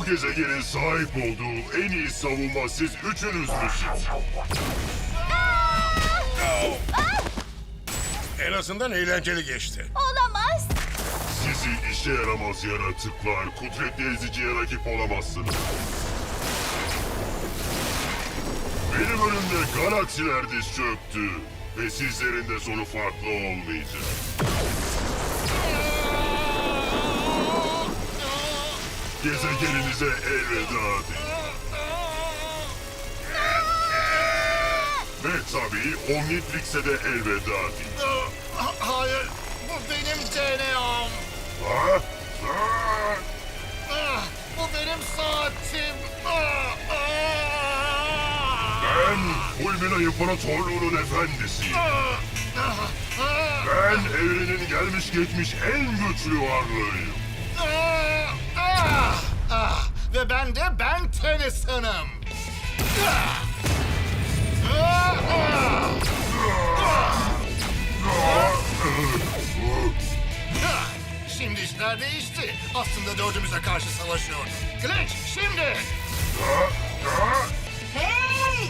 Bu gezegenin sahip olduğu en iyi savunma siz üçünüzmüşsünüz. En azından eğlenceli geçti. Olamaz. Sizi işe yaramaz yaratıklar, kudretli eziciye rakip olamazsınız. Benim önümde galaksiler diz çöktü ve sizlerin de sonu farklı olmayacak. Gezegeninize elveda deyin. Ve tabii Omnitrix'e de elveda deyin. Hayır, bu benim DNA'm. Ha? Bu benim saatim. Ben Fulmina İmparatorluğu'nun efendisiyim. Ben evrenin gelmiş geçmiş en güçlü varlığıyım. Ve ben de Ben Tennyson'ım. Şimdi işler değişti. Aslında dördümüze karşı savaşıyorduk. Glitch, şimdi! Hey!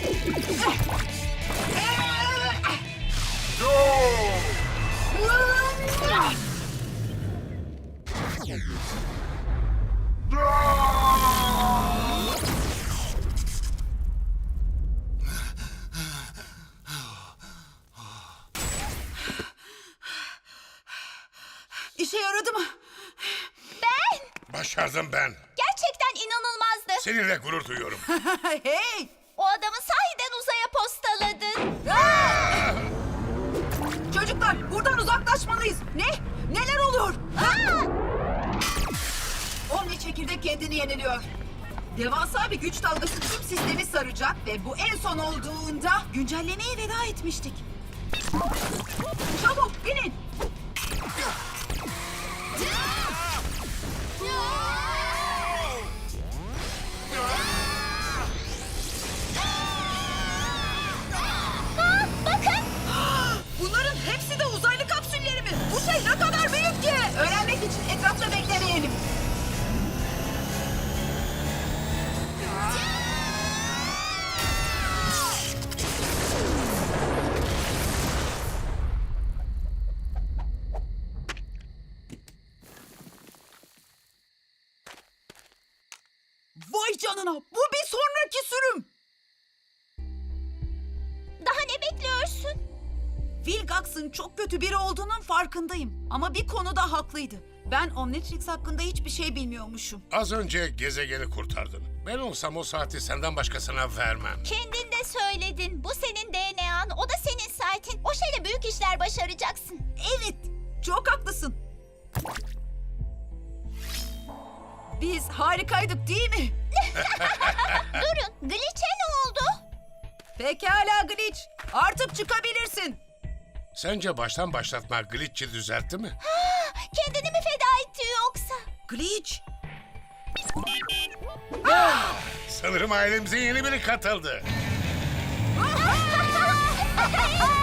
İşe yaradı mı? Başardım ben. Gerçekten inanılmazdı. Seninle gurur duyuyorum. Hey! O adamı sahiden uzaya postaladın. Çocuklar buradan uzaklaşmalıyız. Ne? Neler oluyor? Omni çekirdek kendini yeniliyor. Devasa bir güç dalgası tüm sistemi saracak ve bu en son olduğunda güncellemeye veda etmiştik. Çabuk inin. Bakın. Bunların hepsi de uzaylı kapsülleri mi? Bu şey ne kadar büyük ki? Öğrenmek için etrafta beklemeyelim. Vay canına! Bu bir sonraki sürüm! Daha ne bekliyorsun? Vilgax'ın çok kötü biri olduğunun farkındayım. Ama bir konuda haklıydı. Ben Omnitrix hakkında hiçbir şey bilmiyormuşum. Az önce gezegeni kurtardın. Ben olsam o saati senden başkasına vermem. Kendin de söyledin. Bu senin DNA'n, o da senin saatin. O şeyle büyük işler başaracaksın. Evet, çok haklısın. Biz harikaydık değil mi? Durun, Glitch'e ne oldu? Pekala Glitch, artık çıkabilirsin. Sence baştan başlatma Glitch'i düzeltti mi? Kendini mi feda etti yoksa? Glitch, Sanırım ailemize yeni biri katıldı.